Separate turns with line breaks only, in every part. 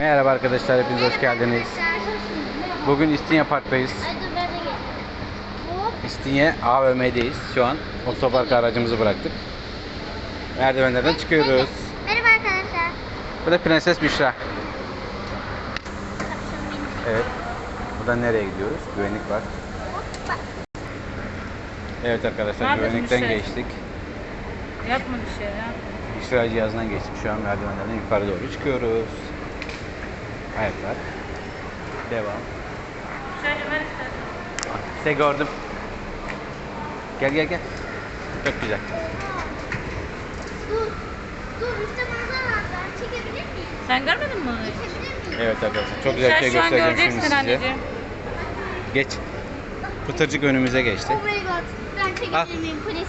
Merhaba arkadaşlar, hepiniz hoş geldiniz. Bugün İstinye Park'tayız. İstinye AVM'deyiz. Şu an otoparka aracımızı bıraktık. Merdivenlerden çıkıyoruz.
Merhaba arkadaşlar.
Bu da Prenses Büşra. Evet. Buradan nereye gidiyoruz? Güvenlik var. Evet arkadaşlar, güvenlikten geçtik.
Yapma bir şey ya.
Büşra cihazından geçtik. Şu an merdivenlerden yukarı doğru çıkıyoruz. Ayaklar. Devam.
Şöyle ver istersen.
Size gördüm. Gel gel gel. Çok güzel.
Dur işte manzara var. Çekebilir miyim?
Sen görmedin mi onu?
Çekebilir miyim?
Evet arkadaşlar, çok güzel bir şey
Sen şu an
göstereceğim şimdi
göreceksin
size.
anneciğim.
Geç. Pıtırcık önümüze geçti.
Oh my god. Ben
Al.
çekebilir miyim please?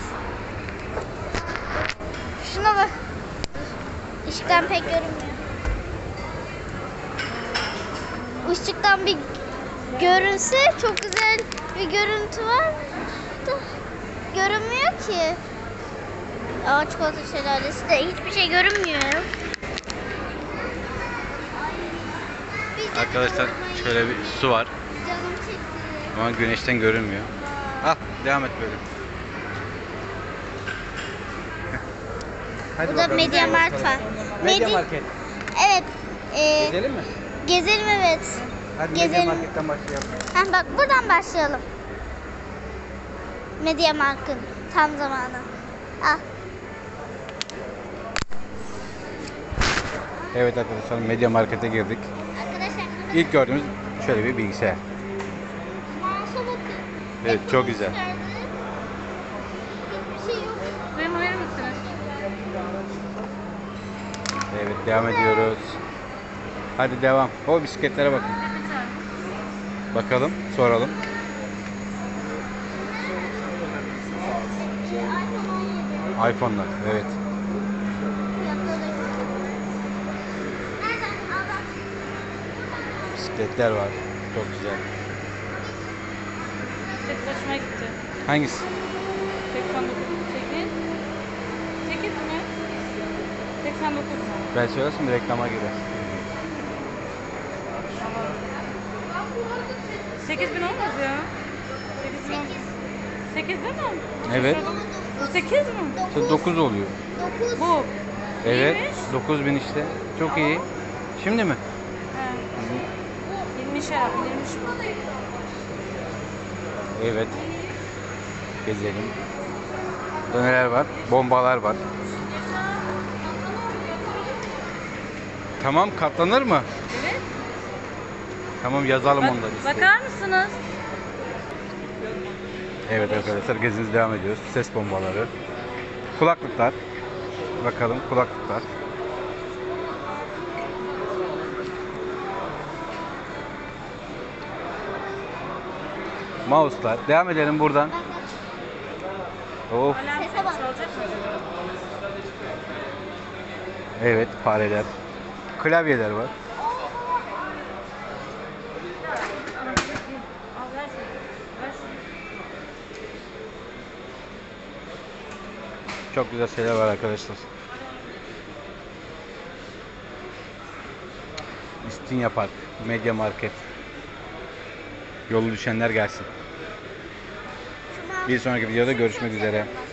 Şuna bak. Işıktan pek görünmüyor. Işıktan bir görünse çok güzel bir görüntü var da görünmüyor ki. Aa, çikolata şelalesi de hiçbir şey görünmüyor.
Arkadaşlar şöyle bir su var
Canım çekti.
ama güneşten görünmüyor. Al, devam et böyle. Hadi
Burada
bakalım.
Media Mart var.
Media Market.
Evet.
Gezelim mi?
Gezelim evet.
Hadi Media
Gezelim.
Market'ten başlayalım.
Heh, bak buradan başlayalım. Media Markt'ın tam zamanı. Ah.
Evet arkadaşlar, Media Market'e girdik.
Arkadaşlar
İlk gördüğümüz şöyle bir bilgisayar.
mouse'a bakın.
Evet, çok güzel.
Hiçbir şey yok.
Benim verir misiniz?
Evet, devam ediyoruz. Hadi devam. O bisikletlere bakın. Bakalım, soralım. iPhone'lar, evet. Bisikletler var. Çok güzel.
Tek başıma gitti.
Hangisi?
89. 8. 8 mi? 89 mu?
Ben söylersem reklama girer.
8000 olmaz ya. 8 değil mi?
Evet.
Bu 8 mi?
9 oluyor.
9.
Bu.
Evet.
İyiymiş.
9000 işte. Çok iyi. Şimdi mi?
He. 20 şarap indirmiş bu.
Evet. Gezelim. Burada neler var? Bombalar var. Tamam, katlanır mı?
Evet.
Tamam, yazalım
Bak,
onları. listeye.
bakar mısınız?
Evet arkadaşlar, gezimiz devam ediyoruz. Ses bombaları. Kulaklıklar. Bakalım, kulaklıklar. Mouse'lar. Devam edelim buradan. Of.
Alarm
Sese bak.
çalacak mı acaba?
Evet, fareler. Klavyeler var.
Al ver şunu. Ver şunu.
Çok güzel şeyler var arkadaşlar. İstinye Park, Media Market. Yolu düşenler gelsin. Bir sonraki videoda görüşmek üzere.